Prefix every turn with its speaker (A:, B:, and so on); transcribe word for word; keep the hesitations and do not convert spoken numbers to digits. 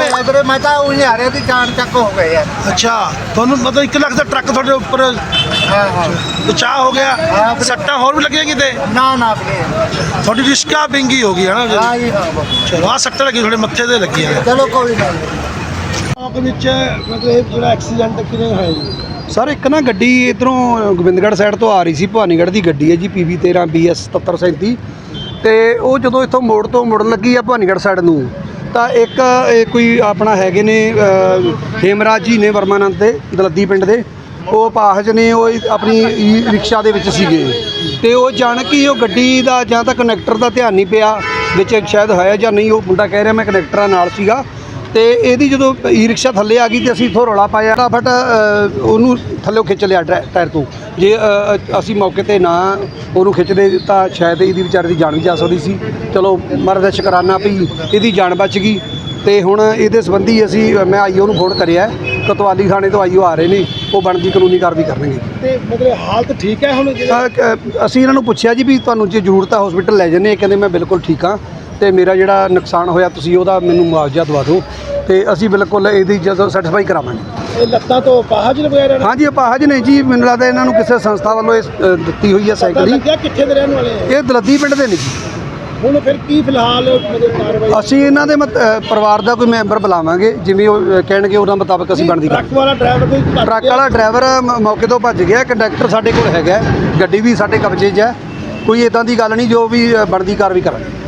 A: ਹੋਇਆ ਵੀਰੇ, ਮੈਂ ਤਾਂ ਉਹੀ ਆ ਰਿਹਾ ਸੀ, ਚਾਣ ਚੱਕ ਹੋ ਗਏ ਯਾਰ।
B: ਅੱਛਾ, ਤੁਹਾਨੂੰ ਮਤਲਬ ਇੱਕ ਲੱਖ ਦਾ ਟਰੱਕ ਤੁਹਾਡੇ ਉੱਪਰ
A: ਹਾਂ ਹਾਂ
B: ਬਚਾਅ ਹੋ ਗਿਆ। ਸੱਟਾਂ ਹੋਰ ਵੀ ਲੱਗੀਆਂ ਕਿਤੇ?
A: ਨਾ ਨਾ ਵੀਰੇ,
B: ਤੁਹਾਡੀ ਰਿਸ਼ਕਾ ਬਿੰਗੀ ਹੋ ਗਈ ਹੈ ਨਾ?
A: ਹਾਂ ਜੀ ਹਾਂ ਬਸ।
B: ਚਲੋ, ਆਹ ਸੱਟਾਂ ਲੱਗੀ ਤੁਹਾਡੇ ਮੱਥੇ ਤੇ ਲੱਗੀਆਂ।
A: ਚਲੋ ਕੋਈ ਨਾ।
B: ਆਪ ਵਿੱਚ ਮਤਲਬ ਜਿਹੜਾ ਐਕਸੀਡੈਂਟ ਕਿਵੇਂ ਹੋਇਆ ਜੀ?
C: ਸਰ ਇੱਕ ਨਾ ਗੱਡੀ ਇੱਧਰੋਂ ਗੋਬਿੰਦਗੜ੍ਹ ਸਾਈਡ ਤੋਂ ਆ ਰਹੀ ਸੀ, ਭਵਾਨੀਗੜ੍ਹ ਦੀ ਗੱਡੀ ਹੈ ਜੀ, ਪੀ ਵੀ ਤੇਰ੍ਹਾਂ ਬੀ ਐਸ ਸਤੱਤਰ ਸੈਂਤੀ। ਅਤੇ ਉਹ ਜਦੋਂ ਇੱਥੋਂ ਮੋੜ ਤੋਂ ਮੁੜਨ ਲੱਗੀ ਆ ਭਵਾਨੀਗੜ੍ਹ ਸਾਈਡ ਨੂੰ, ਤਾਂ ਇੱਕ ਇਹ ਕੋਈ ਆਪਣਾ ਹੈਗੇ ਨੇ ਹੇਮਰਾਜ ਜੀ ਨੇ ਵਰਮਾਨੰਦ ਦੇ ਦਲੱਦੀ ਪਿੰਡ ਦੇ, ਉਹ ਅਪਾਹਜ ਨੇ, ਉਹ ਆਪਣੀ ਈ ਰਿਕਸ਼ਾ ਦੇ ਵਿੱਚ ਸੀਗੇ। ਅਤੇ ਉਹ ਜਾਣ ਕੇ ਉਹ ਗੱਡੀ ਦਾ ਜਾਂ ਤਾਂ ਕਨੈਕਟਰ ਦਾ ਧਿਆਨ ਨਹੀਂ ਪਿਆ ਵਿੱਚ, ਸ਼ਾਇਦ ਹੋਇਆ ਜਾਂ ਨਹੀਂ, ਉਹ ਮੁੰਡਾ ਕਹਿ ਰਿਹਾ ਮੈਂ ਕਨੈਕਟਰਾਂ ਨਾਲ ਸੀਗਾ। ਅਤੇ ਇਹਦੀ ਜਦੋਂ ਈ ਰਿਕਸ਼ਾ ਥੱਲੇ ਆ ਗਈ ਅਤੇ ਅਸੀਂ ਇੱਥੋਂ ਰੌਲਾ ਪਾਇਆ, ਫਟਾਫਟ ਉਹਨੂੰ ਥੱਲੇ ਖਿੱਚ ਲਿਆ ਟੈ ਟਾਇਰ ਤੋਂ। ਜੇ ਅਸੀਂ ਮੌਕੇ 'ਤੇ ਨਾ ਉਹਨੂੰ ਖਿੱਚਦੇ ਤਾਂ ਸ਼ਾਇਦ ਇਹਦੀ ਵਿਚਾਰੇ ਦੀ ਜਾਨ ਵੀ ਜਾ ਸਕਦੀ ਸੀ। ਚਲੋ ਮਹਾਰਾਜ ਦਾ ਸ਼ੁਕਰਾਨਾ ਵੀ ਇਹਦੀ ਜਾਨ ਬਚ ਗਈ। ਅਤੇ ਹੁਣ ਇਹਦੇ ਸੰਬੰਧੀ ਅਸੀਂ ਮੈਂ ਆਈਓ ਨੂੰ ਫੋਨ ਕਰਿਆ, ਕੋਤਵਾਲੀ ਥਾਣੇ ਤੋਂ ਆਈਓ ਆ ਰਹੇ ਨੇ, ਉਹ ਬਣਦੀ ਕਾਨੂੰਨੀ ਕਾਰਵਾਈ ਕਰਨਗੇ।
B: ਤੇ ਮਤਲਬ ਹਾਲਤ ਠੀਕ ਹੈ ਹੁਣ?
C: ਅਸੀਂ ਇਹਨਾਂ ਨੂੰ ਪੁੱਛਿਆ ਜੀ ਵੀ ਤੁਹਾਨੂੰ ਜੇ ਜ਼ਰੂਰਤ ਹੈ ਹਸਪੀਟਲ ਲੈ ਜਾਂਦੇ, ਕਹਿੰਦੇ ਮੈਂ ਬਿਲਕੁਲ ਠੀਕ ਹਾਂ ਅਤੇ ਮੇਰਾ ਜਿਹੜਾ ਨੁਕਸਾਨ ਹੋਇਆ ਤੁਸੀਂ ਉਹਦਾ ਮੈਨੂੰ ਮੁਆਵਜ਼ਾ ਦਵਾ ਦਿਓ, ਅਤੇ ਅਸੀਂ ਬਿਲਕੁਲ ਇਹਦੀ ਜਦੋਂ ਸੈਟੀਸਫਾਈ ਕਰਾਵਾਂਗੇ।
B: ਇਹ ਲੱਤਾਂ ਤੋਂ ਅਪਾਹਜ ਵਗੈਰਾ?
C: ਹਾਂਜੀ ਅਪਾਹਜ ਨੇ ਜੀ, ਮੈਨੂੰ ਲੱਗਦਾ ਇਹਨਾਂ ਨੂੰ ਕਿਸੇ ਸੰਸਥਾ ਵੱਲੋਂ ਇਹ ਅ, ਦਿੱਤੀ ਹੋਈ ਹੈ ਸਾਈਕਲ ਹੀ।
B: ਕਿੱਥੇ ਦੇ ਰਹਿਣ ਵਾਲੇ?
C: ਇਹ ਦਲੱਦੀ ਪਿੰਡ ਦੇ ਨੇ ਜੀ।
B: ਹੁਣ ਫਿਰ ਕੀ ਫਿਲਹਾਲ ਮਤਲਬ ਕਾਰਵਾਈ?
C: ਅਸੀਂ ਇਹਨਾਂ ਦੇ ਮਤ- ਅ, ਪਰਿਵਾਰ ਦਾ ਕੋਈ ਮੈਂਬਰ ਬੁਲਾਵਾਂਗੇ, ਜਿਵੇਂ ਉਹ ਅ, ਕਹਿਣਗੇ ਉਹਨਾਂ ਮੁਤਾਬਕ ਅਸੀਂ ਬਣਦੀ
B: ਟਰੱਕ ਵਾਲਾ ਡਰਾਈਵਰ ਕੋਈ ਭੱਜ
C: ਟਰੱਕ
B: ਗਿਆ?
C: ਵਾਲਾ ਡਰਾਈਵਰ ਮ- ਮੌਕੇ ਤੋਂ ਭੱਜ ਗਿਆ, ਕੰਡਕਟਰ ਸਾਡੇ ਕੋਲ ਹੈਗਾ, ਗੱਡੀ ਵੀ ਸਾਡੇ ਕਬਜ਼ੇ 'ਚ ਹੈ, ਕੋਈ ਇੱਦਾਂ ਦੀ ਗੱਲ ਨਹੀਂ, ਜੋ ਵੀ ਅ, ਬਣਦੀ ਕਾਰਵਾਈ ਕਰਾਂਗੇ।